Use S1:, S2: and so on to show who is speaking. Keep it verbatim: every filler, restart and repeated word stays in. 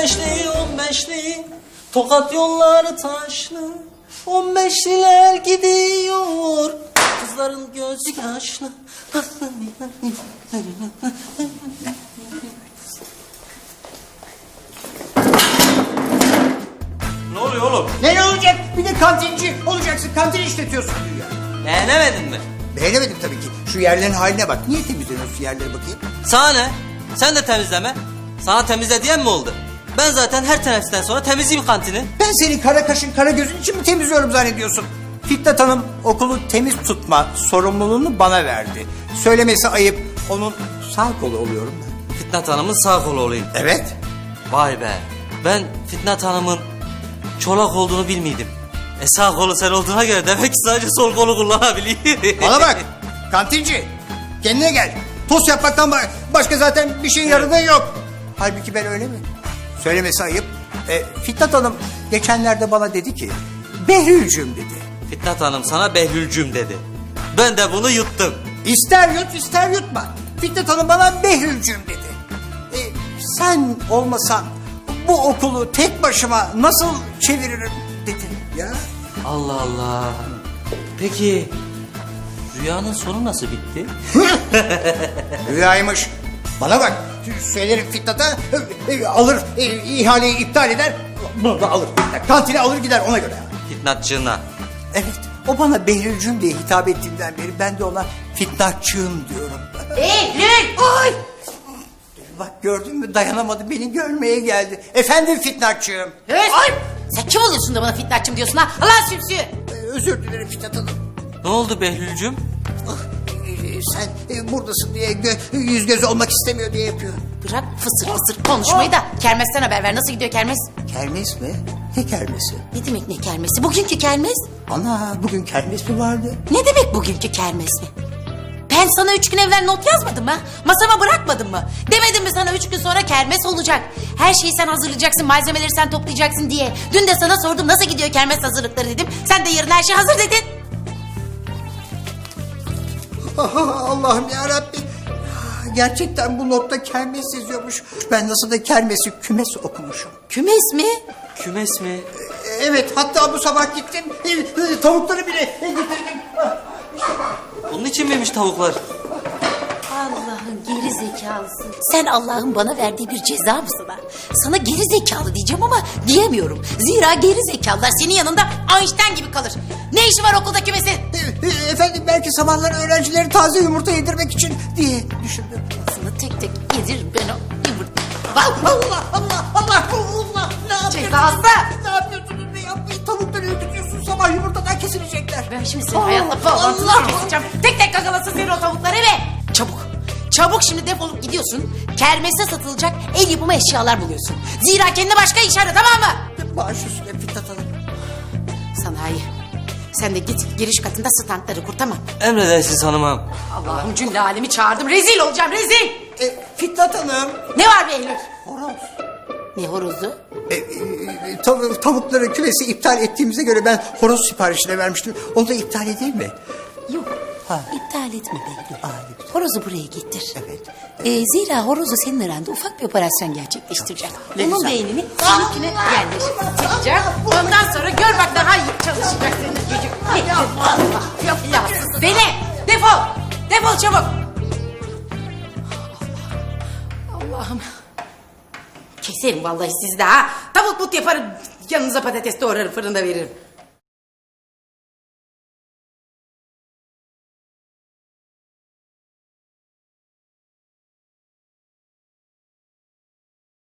S1: beşli on beşli Tokat yolları taşlı. On beşliler gidiyor. Kızların gözü yaşlı. Ne oluyor oğlum?
S2: Ne ne olacak? Bir de kantinci olacaksın. Kantin işletiyorsun diyor.
S1: Beğenemedin mi?
S2: Beğenemedim tabii ki. Şu yerlerin haline bak. Niye temizlemiyorsun şu yerlere bakayım?
S1: Sana ne? Sen de temizleme. Sana temizle diyen mi oldu? Ben zaten her teneffüsten sonra temizleyeyim kantini.
S2: Ben seni kara kaşın kara gözün için mi temizliyorum zannediyorsun? Fitnat Hanım okulu temiz tutma sorumluluğunu bana verdi. Söylemesi ayıp. Onun sağ kolu oluyorum ben.
S1: Fitnat Hanım'ın sağ kolu olayım.
S2: Evet.
S1: Vay be. Ben Fitnat Hanım'ın çolak olduğunu bilmiyordum. E sağ kolu sen olduğuna göre demek ki sadece sol kolu kullanabiliyor.
S2: Bana bak. Kantinci. Kendine gel. Tost yapmaktan başka zaten bir şeyin yaradığın yok. Halbuki ben öyle mi? Söylemesi ayıp. E, Fitnat Hanım geçenlerde bana dedi ki... Behlülcüm dedi.
S1: Fitnat Hanım sana Behlülcüm dedi. Ben de bunu yuttum.
S2: İster yut ister yutma. Fitnat Hanım bana Behlülcüm dedi. E, sen olmasan bu okulu tek başıma nasıl çeviririm dedi ya.
S1: Allah Allah. Peki rüyanın sonu nasıl bitti?
S2: Rüyaymış. Bana bak. Söylerim Fitnat'a e, e, alır e, ihaleyi iptal eder. Bunu da alır. Kantine alır gider ona göre.
S1: Fitnatçığına.
S2: Evet. O bana Behlülcüm diye hitap ettiğinden beri ben de ona Fitnatçığım diyorum.
S3: Behlül!
S2: Ay! Bak gördün mü dayanamadı beni görmeye geldi. Efendim Fitnatçığım.
S3: Höst! Ay! Sen kim oluyorsun da bana fitnatçım diyorsun ha? Allah sümsüğü!
S2: Ee, özür dilerim Fitnat Hanım.
S1: Ne oldu Behlülcüm?
S2: Ah, e, sen e, buradasın diye gö yüz göz olmak istemiyor diye yapıyor.
S3: Bırak fısır fısır konuşmayı da kermesten haber ver. Nasıl gidiyor kermes?
S2: Kermes mi? Ne kermesi?
S3: Ne demek ne kermesi? Bugünkü kermes?
S2: Ana bugün kermes mi vardı?
S3: Ne demek bugünkü kermes mi? Ben sana üç gün evvel not yazmadım mı? Masama bırakmadım mı? Demedim mi sana üç gün sonra kermes olacak? Her şeyi sen hazırlayacaksın, malzemeleri sen toplayacaksın diye. Dün de sana sordum nasıl gidiyor kermes hazırlıkları dedim. Sen de yarın her şey hazır dedin.
S2: Allah'ım yarabbim. Gerçekten bu notta kermes yazıyormuş. Ben nasıl da kermesi kümes okumuşum.
S3: Kümes mi?
S1: Kümes mi?
S2: Evet hatta bu sabah gittim. e, Tavukları bile getirdim.
S1: Bunun için miymiş tavuklar?
S3: Allah'ın geri zekalısı. Sen Allah'ın bana verdiği bir ceza mısın ha? Sana geri zekalı diyeceğim ama diyemiyorum. Zira geri zekalılar senin yanında Einstein gibi kalır. Ne işi var okulda kümesin?
S2: E, e, Efendim belki sabahları öğrencileri taze yumurta yedirmek için diye düşündüm.
S3: Sana tek tek yedir ben o yumurta.
S2: Allah Allah Allah Allah Allah ne yapıyorsunuz?
S3: Cezası.
S2: Ne yapıyorsunuz ne yapmayın tavukları öldürüyorsun sabah yumurtadan kesilecekler.
S3: Ben şimdi senin hayatla bağlantını keseceğim. Tek tek gagalasın seni o tavukları ve çabuk. Çabuk şimdi defolup gidiyorsun. Kermeste satılacak el yapımı eşyalar buluyorsun. Zira kendine başka iş ara tamam mı?
S2: Baş üstüne Fitnat Hanım.
S3: Sanayi. Sen de git giriş katında standları kur tamam.
S1: Emredersiniz hanımım.
S3: Allah'ım cümle alemi çağırdım. Rezil olacağım rezil.
S2: E, Fitnat Hanım.
S3: Ne var Behlül?
S2: Horoz.
S3: Ne horozu?
S2: E, e, tav- tavukları kümesi iptal ettiğimize göre ben horoz siparişine vermiştim. Onu da iptal edeyim mi?
S3: Yok.
S2: Ha.
S3: İptal etme Behlül.
S2: Aa, ne güzel.
S3: Horozu buraya getir.
S2: Evet.
S3: Ee, zira horozu senin aranda ufak bir operasyon gerçekleştireceğim.
S2: Ne
S3: Onun
S2: güzel.
S3: beynini seninkine yerleştireceğim. Ondan sonra gör bak daha iyi çalışacak senin çocuk. Allah Allah. Beni defol. Defol çabuk. Allah'ım. Keserim vallahi sizde ha. Tavuk but yaparım. Yanınıza patates doğrarım fırında veririm.